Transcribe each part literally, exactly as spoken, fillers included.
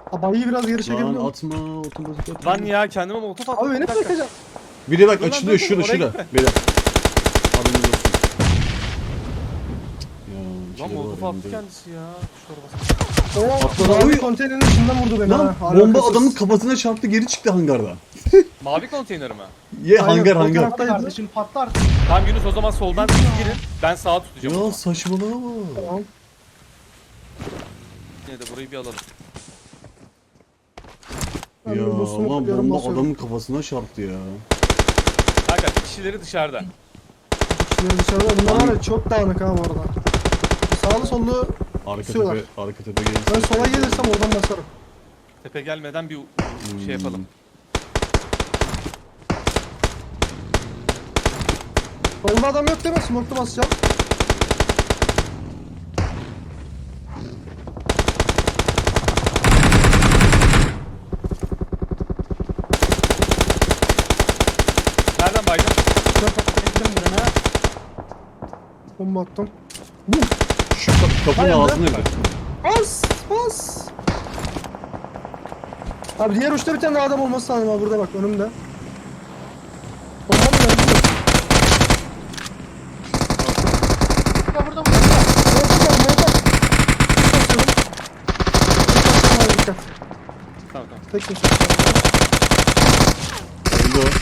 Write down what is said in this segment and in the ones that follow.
Abayı biraz geri Lan çekebiliyor musun? atma otomatik atma. Lan ya kendime molotof attım. Abi beni Bir dakika. bırakacağım. Bir de bak Dur lan, açılıyor dur, dur, şurada oraya şurada. gitme. Beyler. Haberiniz olsun. Ya, Lan içeri molotof var attı elimde. kendisi ya. Şu arabası. O Atladı. mavi Oy. konteynerin içinden vurdu beni Lan ha. bomba Alakasız. adamın kafasına çarptı geri çıktı hangardan. Mavi konteyner mi? Ye Aynen, hangar o hangar. tarafta- Hadi kardeşim patlar. Tamam Yunus o zaman soldan siz girin. Ben sağa tutacağım. o Ya zaman. saçmalama. Tamam. Yine de burayı bir alalım. Ben Ya bir boss'umu lan kırıyorum, bomba basıyorum. adamın kafasına çarptı ya. Kanka kişileri dışarıda. Kişileri dışarıda. Bunlar var ya çok dağınık ha bu arada. Sağlı sollu Arka Kusuyorlar. tepe, arka tepe gelirse. ben sola gelirsem oradan basarım. Tepe gelmeden bir Hmm. şey yapalım. Solda adam yok değil mi? Smoke'lu basacağım. Nereden baydın? Ettim birine. Bomba attım. Şu ka- kapının Hayır, ağzına bir. Bas! Bas! Abi diğer uçta bir tane daha adam olması lazım abi burada bak önümde. Bomba mı geldi? Burada burada burada. Molotov var, molotov. Basıyorum. Basıyorum abi, dikkat. Tamam tamam. Tek kişi. Öldü o.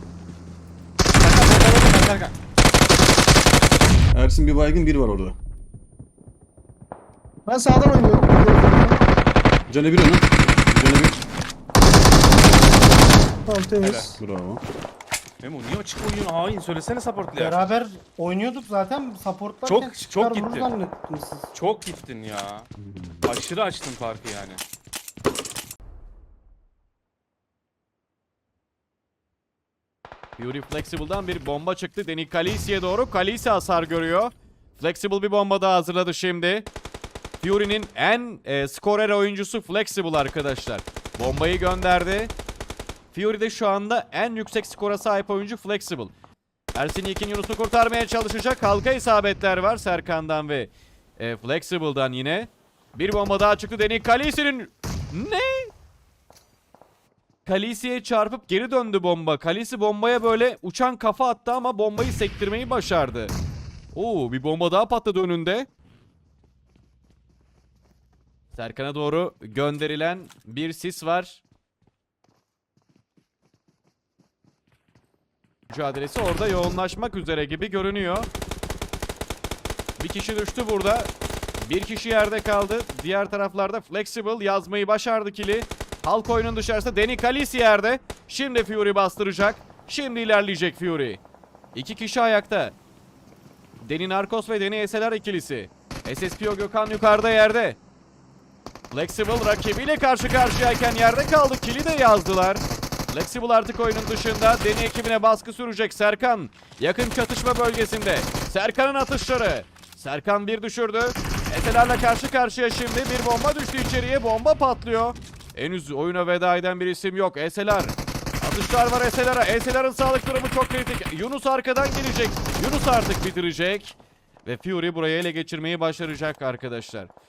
Serkan, Serkan, Serkan. Ersin bir baygın bir var orada. Ben sağdan oynuyorum. Canı bir onun. Canı bir. Tamam temiz. Bravo. Memo niye açık oynuyorsun? Hain söylesene supportluya. Beraber oynuyorduk zaten. Supportlarken Çok- çıkar çok vurur gitti. zannettiniz siz. Çok gittin ya. Aşırı açtın farkı yani. Fury Flexible'dan bir bomba çıktı. Deni Khaleesi'ye doğru. Khaleesi hasar görüyor. Flexible bir bomba daha hazırladı şimdi. Fury'nin en e, skorer oyuncusu Flexible arkadaşlar. Bombayı gönderdi. Fury de şu anda en yüksek skora sahip oyuncu Flexible. Ersin Yekin Yunus'u kurtarmaya çalışacak. Halka isabetler var Serkan'dan ve e, Flexible'dan yine. Bir bomba daha çıktı. Deni Khaleesi'nin... Ne? Khaleesi'ye çarpıp geri döndü bomba. Khaleesi bombaya böyle uçan kafa attı ama bombayı sektirmeyi başardı. Oo, bir bomba daha patladı önünde. Serkan'a doğru gönderilen bir sis var. Mücadelesi orada yoğunlaşmak üzere gibi görünüyor. Bir kişi düştü burada. Bir kişi yerde kaldı. Diğer taraflarda Flexible yazmayı başardı kili. Halk oyunun dışarısı Deni Khaleesi yerde. Şimdi Fury bastıracak. Şimdi ilerleyecek Fury. İki kişi ayakta. Deni Narcos ve Deni S L R ikilisi. S S P O Gökhan yukarıda yerde. Flexible rakibiyle karşı karşıyayken yerde kaldı. Kili de yazdılar. Flexible artık oyunun dışında. Deni ekibine baskı sürecek Serkan. Yakın çatışma bölgesinde. Serkan'ın atışları. Serkan bir düşürdü. S L R'la karşı karşıya şimdi. Bir bomba düştü içeriye. Bomba patlıyor. Henüz oyuna veda eden bir isim yok. S L R. Atışlar var S L R'a. S L R'ın sağlık durumu çok kritik. Yunus arkadan gelecek. Yunus artık bitirecek. Ve Fury burayı ele geçirmeyi başaracak arkadaşlar.